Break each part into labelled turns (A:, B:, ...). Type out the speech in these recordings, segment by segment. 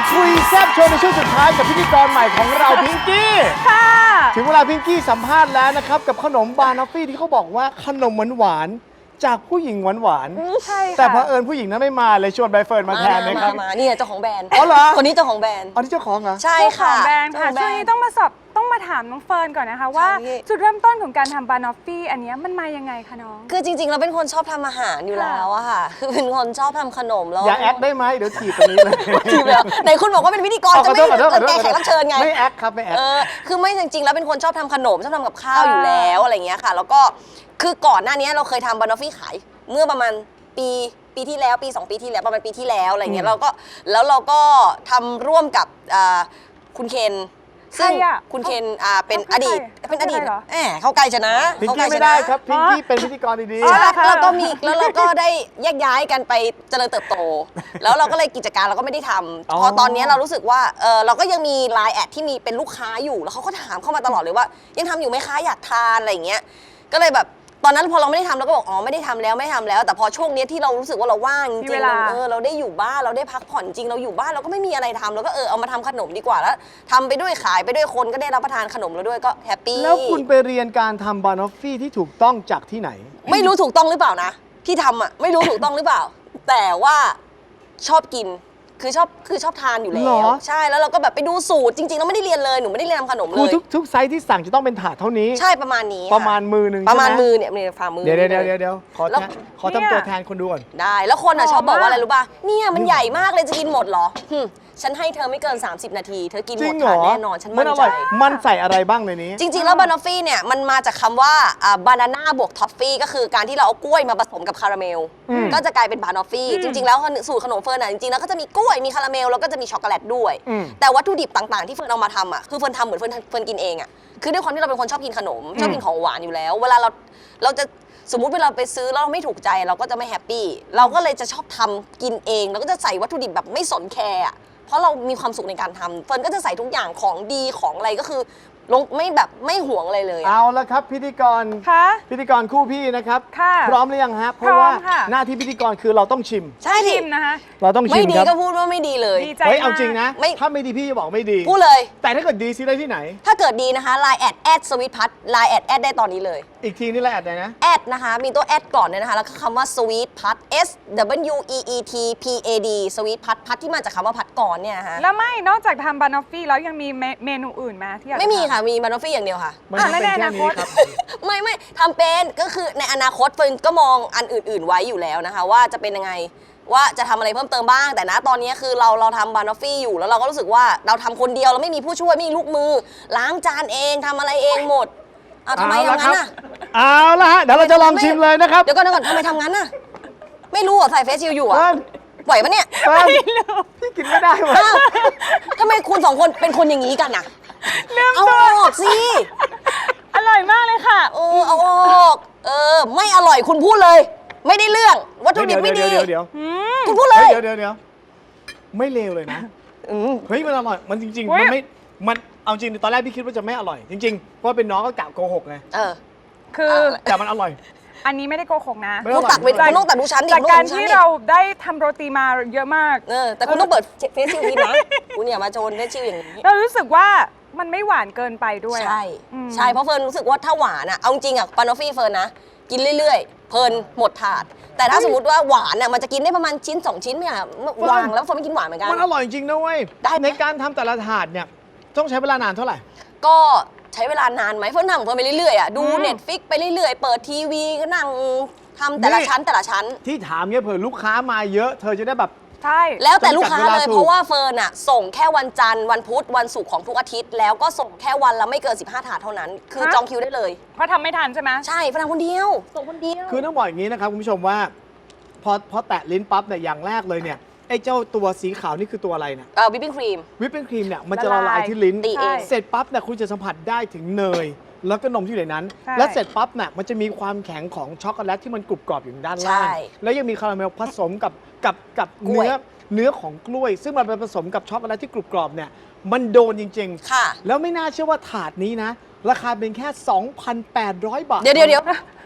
A: คุยแซ่บโชว์ในช่วงสุดท้ายกับพิธีกรใหม่ของเราพิงกี้
B: ค่ะ
A: ถึงเวลาพิงกี้สัมภาษณ์แล้วนะครับกับขนมบานอฟฟี่ที่เขาบอกว่าขนมหวานๆจากผู้หญิงหวาน
B: ใช่ค่ะ
A: แต่เผอิญผู้หญิงนั้นไม่มาเลยชวนใบเฟิร์นมาแทนนะครับ
C: มาเนี่ยเจ้าของแบรนด์
A: อ๋อเหรอ
C: คนนี้เจ้าของแบรนด์
A: อันนี้เจ้าของเหรอ
C: ใช่
B: เจ้าขอ
C: ค่ะ
B: งแบรนด์ค่ะ
C: เจ้าข
B: ช่ว
C: อง
B: นี้
C: แบรนด์
B: ต้องมาถามน้องเฟิร์นก่อนนะคะว่า
C: ใช่
B: จุดเริ่มต้นของการทำบานอฟฟี่อันเนี้ยมันมายังไงคะน้อง
C: คือจริงๆเราเป็นคนชอบทำอาหารอยู่แล้วอะค่ะ คือเป็นคนชอบทำขนมแล้ว
A: อย่าแอคได้ไหมเดี๋ยวถีบตรงนี้เลย
C: ทีแล้วไหนคุณบอกว่าเป็นพิธีกรจะไม่
A: ขอโทษ
C: แกแขกรับเชิญไง
A: ไม่แอคครับไม่แอค
C: คือไม่จริงๆแล้วเป็นคนชอบทำขนมชอบทำกับข้าวอยู่แล้วอะไรเงี้ยค่ะ แล้วก็คือก่อนหน้านี้เราเคยทำบานอฟฟี่ขายเมื่อประมาณปีที่แล้วปี 2 ปีที่แล้วประมาณปีที่แล้วอะไรเงี้ยเราก็ทำร่วมกับคุณเคนซึ่ง
B: ใครอะ
C: คุณเคน เป็น
B: เขา
C: อดีต
B: เขา
C: เป็นอดีต
B: ใครเหรอ
C: เข้าใกล้ชนะ
A: พิง
C: เข้าใก
A: กี้
C: ล้ช
A: ไม่
C: นะ
A: ได้ครับพิงกี้เป็นพิธีกรดี
B: อ๋อเหรอคะ
C: แล้วเราก็ได้แยกย้ายกันไปเจริญเติบโต แล้วเราก็เลยกิจการเราก็ไม่ได้ทำพอตอนนี้เรารู้สึกว่าเราก็ยังมีไลน์แอดที่มีเป็นลูกค้าอยู่แล้วเขาก็ถามเข้ามาตลอดเลยว่า ยังทำอยู่ไหมคะอยากทานอะไรอย่างเงี้ยก็เลยแบบตอนนั้นพอเราไม่ได้ทำเราก็บอกอ๋อไม่ได้ทำแล้วไม่ทำแล้ว แต่พอช่วงนี้ที่เรารู้สึกว่าเราว่างจริง
B: มีเวลา
C: เราได้อยู่บ้านเราได้พักผ่อนจริงเราอยู่บ้านเราก็ไม่มีอะไรทำเราก็เอามาทำขนมดีกว่าแล้วทำไปด้วยขายไปด้วยคนก็ได้รับประทานขนมเราด้วยก็แฮปปี้
A: ๆแล้วคุณไปเรียนการทำบานอฟฟี่ที่ถูกต้องจากที่ไหน
C: ไม่รู้ถูกต้องหรือเปล่านะที่ทำอ่ะไม่รู้ถูกต้องหรือเปล่า แต่ว่าชอบกินคือชอบทานอยู่แล้
A: เหร
C: ว
A: อ
C: ใช่แล้วเราก็แบบไปดูสูตรจริงๆเราไม่ได้เรียนเลยหนูไม่ได้เรียนทำขนมเล
A: คือย ทุกไซส์ที่สั่งจะต้องเป็นถาดเท่านี้
C: ใช่ประมาณนี้ค่
A: ประมาณมือหนึ่ง
C: ประมาณ
A: ใช่ไห
C: มือเนี่ยฝ่ามือ
A: เดี๋ยว
C: ล
A: เดี๋ยวขอ
C: แล้ว
A: ขอทำตัวแทนคนดูก่อน
C: ได้แล้วคนอ่ะ
B: หอม
C: ชอบบอกว่าอะไร
B: มาก
C: รู้ป่ะเนี่ยมันใหญ่มากเลยจะกินหมดเหรอฉันให้เธอไม่เกิน 30 นาที เธอกิน
A: จ
C: ห
A: ริ
C: ม
A: ง
C: ด
A: เหร
C: ทาน
A: อ
C: แน่นอนฉัน
A: มั
C: มั่
A: น
C: น
A: อ
C: ใจ
A: ร่อยมันใส่อะไรบ้างในนี้
C: จริง ๆ แล้วบานอฟฟี่เนี่ยมันมาจากคำว่าบานาน่าบวกท็อฟฟี่ก็คือการที่เราเอากล้วยมาผสมกับคาราเมล ก็จะกลายเป็นบานอฟฟี่จริง ๆ แล้วสูตรขนมเฟิร์นอ่ะจริงๆแล้วก็จะมีกล้วยมีคาราเมลแล้วก็จะมีช็อกโกแลตด้วย แต่วัตถุดิบต่างๆที่เฟิร์นเอามาทำอ่ะคือเฟิร์นทำเหมือนเฟิร์นกินเองอ่ะคือด้วยความที่เราเป็นคนชอบกินขนมชอบกินของหวานอยู่แล้ว เวลาเราจะสมมุติเวลาไปซื้อแล้วเราไม่ถูกใจเราก็จะไม่แฮปปี้เราก็เลยจะชอบทำกินเองเราก็จะใส่วัตถุดิบแบบไม่สนแคร์อะเพราะเรามีความสุขในการทำเฟิร์นก็จะใส่ทุกอย่างของดีของอะไรก็คือลงไม่ห่วงอะไรเลยอะ
A: เอาละครับพิธีกร
B: ค่ะ
A: พิธีกรคู่พี่นะครับ
B: ค่ะ
A: พร้อมหรือยังฮะเพ
B: พร้
A: ราะ
B: อม
A: ว่า
B: ค่ะ
A: หน้าที่พิธีกรคือเราต้องชิม
C: ใช่ดิ
B: ชิมนะคะ
A: เราต้อง
C: ไม่
A: ชิม
C: ดี
A: ครับ
C: ก็พูดว่าไม่ดีเลย
B: ดีใจ
A: เฮ้ย
B: มาก
A: เอาจริงนะ
C: ไม่
A: ถ้าไม่ดีพี่จะบอกไม่ดี
C: พูดเลย
A: แต่ถ้าเกิดดีซิได้ที่ไหน
C: ถ้าเกิดดีนะคะ Line แอดสวิตพัท Line แอดได้ตอนนี้เลย
A: อีกทีนี่แหละแอดเลยนะ
C: แอดนะคะมีตัวแอดก่อนเลยนะคะ แล้วก็คำว่า sweet pat S W E E T P A D sweet pat พัทที่มาจากคำว่าพัดก่อนเนี่ยนะคะ
B: แล้วไม่นอกจากทำบานอฟฟี่แล้วยังมีเมนูอื่นไหมที่อยากจ
C: ไม่มี
B: ทำ
C: ค่ะมีบานอฟฟี่อย่างเดียวค่ะ
A: มัน
B: อ่ะ
A: เป็น
B: แล้วใน
A: แค่
B: อนาค
A: นี้
B: ต
A: ครับ
C: ไม่ทำเป็นก็คือในอนาคตเฟิร์นก็มองอันอื่น ๆ ไว้อยู่แล้วนะคะ ว่าจะเป็นยังไงว่าจะทำอะไรเพิ่มเติมบ้าง แต่นะตอนนี้คือเราทำบานอฟฟี่อยู่แล้วเราก็รู้สึกว่าเราทำคนเดียวเราไม่มีผู้ช่วยไม่มีลูกมือ ล้างจานเองทำอะไรเองหมดเอาทำไม
A: เอาละ
C: ทำงั้น
A: ครั
C: อ่ะ
A: บ เอาละฮะเดี๋ยวเราจะลองชิมเลยนะครับ
C: เดี๋ยวก่อนทำไมทำงั้นอ่ะไม่รู้เหรอใส่เฟซชิลอยู่อ่ะ
A: เฟิร์น
C: ไหวปะเนี่ย
A: เฟิร์นพี่กินไม่ได้ว่ะ
C: อ้าวทำไมคุณสองคนเป็นคนอย่างนี้กันอ่ะเอาออกสิ
B: อร่อยมากเลยค่ะ
C: เอาออกไม่อร่อยคุณพูดเลย ไม่ได้เรื่องวัตถุดิบไม่ดี
A: เดี๋ยว
C: คุณพูดเลย
A: เดี๋ยวไม่เลวเลยนะ เฮ้ยมันอร่อยมันจริง
B: เฮ้
A: ๆ
B: ย
A: มันไม่มันเอาจริงตอนแรกพี่คิดว่าจะไม่อร่อย จริงๆเพราะว่าเป็นน้องก็กะโกหกไง
B: คือ
A: แต่มันอร่อย
B: อันนี้ไม่ได้โกหกนะ
A: ไม่
C: คุณตักไปคุณต้องตักดูชั้นดิ
B: จาก
C: คุณ
B: การ
C: ต้องดูชั้น
B: ที่
C: ดิ
B: เราได้ทำโรตีมาเยอะมาก
C: แต่คุณต้องเปิดเฟซชิลทีนะคุณอย่ามาโจนเฟซชิลอย่างนี้
B: เรารู้สึกว่ามันไม่หวานเกินไปด้วยอะ
C: ใช่
B: อืม
C: ใช่เพราะเฟิร์นรู้สึกว่าถ้าหวานอ่ะเอาจริงอ่ะปานอฟฟี่เฟิร์นนะกินเรื่อยๆเพลินหมดถาด แต่ถ้าสมมติว่าหวานอ่ะมันจะกินได้ประมาณชิ้น 2 ชิ้นเนี่ยวางแล้วเฟิร์นไม่กินหวานเหมือนกัน
A: มันอร่อยจริงนะเว้ย
C: ได้ไหม
A: ในการทำแต่ละถาดเนี่ยต้องใช้เวลานานเท่าไหร่
C: ก็ใช้เวลานานไหมเฟิร์นทำของเฟิร์นไปเรื่อยๆอ่ะดูเน็ตฟิกไปเรื่อยๆเปิดทีวีก็นั่งทำแต่ละชั้นแต่ละชั้น
A: ที่ถามเนี่ยเผื่อลูกค้ามาเยอะเธอจะได้แบบ
B: ใช่
C: แล้วแต่ลูกค้า
A: จำกัดเว
C: เล
A: ลาย ถูก
C: เพราะว่าเฟิร์นอะส่งแค่วันจันทร์วันพุธวันศุกร์ของทุกอาทิตย์ แล้วก็ส่งแค่วันละไม่เกิน 15 ถาดเท่านั้น คือจองคิวได้เลย
B: เพราะทำไม่ทันใช่ไหม
C: ใช่เฟิร์นทำคนเดียวส่งคนเดียว
A: คือต้องบอกอย่างนี้นะครับคุณผู้ชมว่าพอแตะลิ้นปั๊บเนี่ยอย่างแรกเลยเนี่ยไอ้เจ้าตัวสีขาวนี่คือตัวอะไรเนี่ย
C: วิปปิ้งครีม
A: วิปปิ้งครีมเนี่ยมันจะละลายที่ลิ้น
C: ตีเอง
A: เสร็จปั๊บเนี่ยคุณจะสัมผัสได้ถึงเนย แล้วก็นมที่อยู่ในนั้น
B: ใช่
A: และเสร็จปั๊บเนี่ยมันจะมีความแข็งของช็อกโกแลตที่มันกรุบกรอบอยู่ด้านล่าง
C: ใช่
A: แล้วยังมีคาราเมลผสมกับ
C: กล้วย
A: เนื้อของกล้วย ซึ่งมันไปผสมกับช็อกโกแลตที่กรุบกรอบเนี่ยมันโดนจริง
C: ค่ะ
A: ๆ แล้วไม่น่าเชื่อว่าถาดนี้นะ ราคาเป็นแค่ 2,800 บาท
C: เดี๋ยว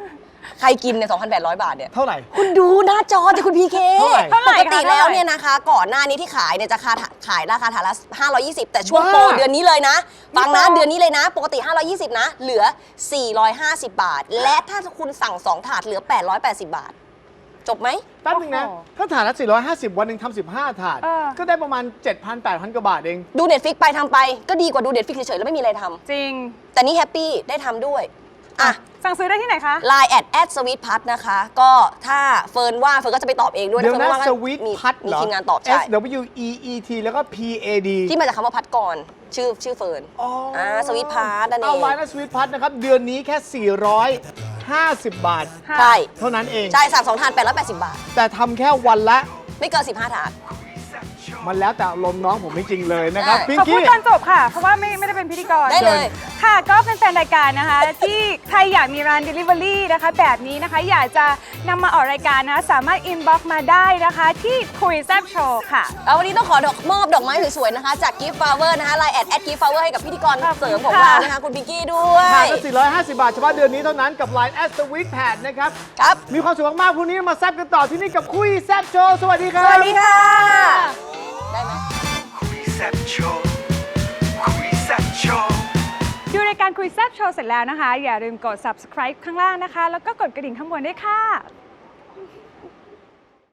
C: ใครกินเนี่ย 2,800 บาทเนี่ย
A: เท่าไหร่
C: คุณดูหน้าจอจะคุณพีเค
A: เท่าไหร่
C: ปกติแล้วเนี่ยนะคะ ก่อนหน้านี้ที่ขายเนี่ยจะขายราคาถาดละ520 แต่ช่วงโปร
A: ว้า
C: เดือนนี้เลยนะ ฟังนะ
B: โปร
C: เดือนนี้เลยนะ ปกติ 520 นะ เหลือ 450 บาท และถ้าคุณสั่ง 2 ถาดเหลือ 880 บาท จบไหม
A: แป๊บนึงนะ
B: โอ้โห
A: ถ้าถาดละ450 วันหนึ่งทำ15 ถาด
B: เออ
A: ก็ได้ประมาณ 7,000-8,000 กว่าบาทเอง
C: ดู Netflix ไปทำไปก็ดีกว่าดู Netflix เฉยๆแล้วไม่มีอะไรทำ
B: จริง
C: แต่นี่แฮปปี้ได้ทำด้วยอ่ะ
B: สั่งซื้อได้ที่ไหนคะ
C: Line at sweet pat นะคะ ก็ถ้าเฟิร์นว่างเฟิร์นก็จะไปตอบเองด้วย
A: เดี๋ยว
C: ฟิ
A: นะ
C: ร์ว่าง
A: ส
C: ก็
A: วีท
C: มี
A: พัด
C: มี
A: เหรอ
C: ทีมงานตอบใช่
A: SWEET แล้วก็ PAD
C: ที่มาจากคำว่าพัดก่อนชื่อเฟิร์น
A: อ๋ออ่
C: สวีทพาร์ทนั่นเอ
A: เอา
C: ง
A: ไว้นะสวีทพัดนะครับ เดือนนี้แค่ 450 บาท
B: ค่ะ
C: ใช่
A: เท่านั้นเอง
C: ใช่สั่ง2 ถาด880 บาท
A: แต่ทำแค่วันละ
C: ไม่เกิน 15 ถาด
A: มันแล้วแต่อารมณ์น้องผมจริงๆเลยนะครับ
C: ใช่
A: พิง
B: ขอพู
A: กี้
B: ดตอนจบค่ะ เพราะว่าไม่ได้เป็นพิธีกร
C: ได้เลย
B: ค่ะ ก็เป็นแฟนรายการนะคะ ที่ใครอยากมีร้าน Delivery นะคะ แบบนี้นะคะ อยากจะนำมาออกรายการนะคะสามารถ inbox มาได้นะคะ ที่คุยแซบโชว์ค่ะ
C: แล้ววันนี้ต้องขอมอบดอกไม้สวยๆนะคะ จาก Gift Flower นะคะ Line at Gift Flower ให้กับพิธีกร
B: ขอบคุณ
C: เสริมของ
B: ค่ะ
C: เรานะคะ คุณพิงกี้ด้วย
A: ถาดละ450 บาทเฉพาะเดือนนี้เท่านั้นกับ Line @sweet pad นะครับ
C: ครับ
A: มีความสุขมากๆพรุ่งนี้มาแซบกันต่อที่นี่กับคุยแซบโชว์สวัสดีครับ
C: สวัสดีค่ะ ได้ไหม
D: คุยแซ่บโชว์คุยแซ่บโชว์
B: ดูรายการคุยแซบโชว์เสร็จแล้วนะคะ อย่าลืมกด subscribe ข้างล่างนะคะ แล้วก็กดกระดิ่งข้างบนด้วยค่ะ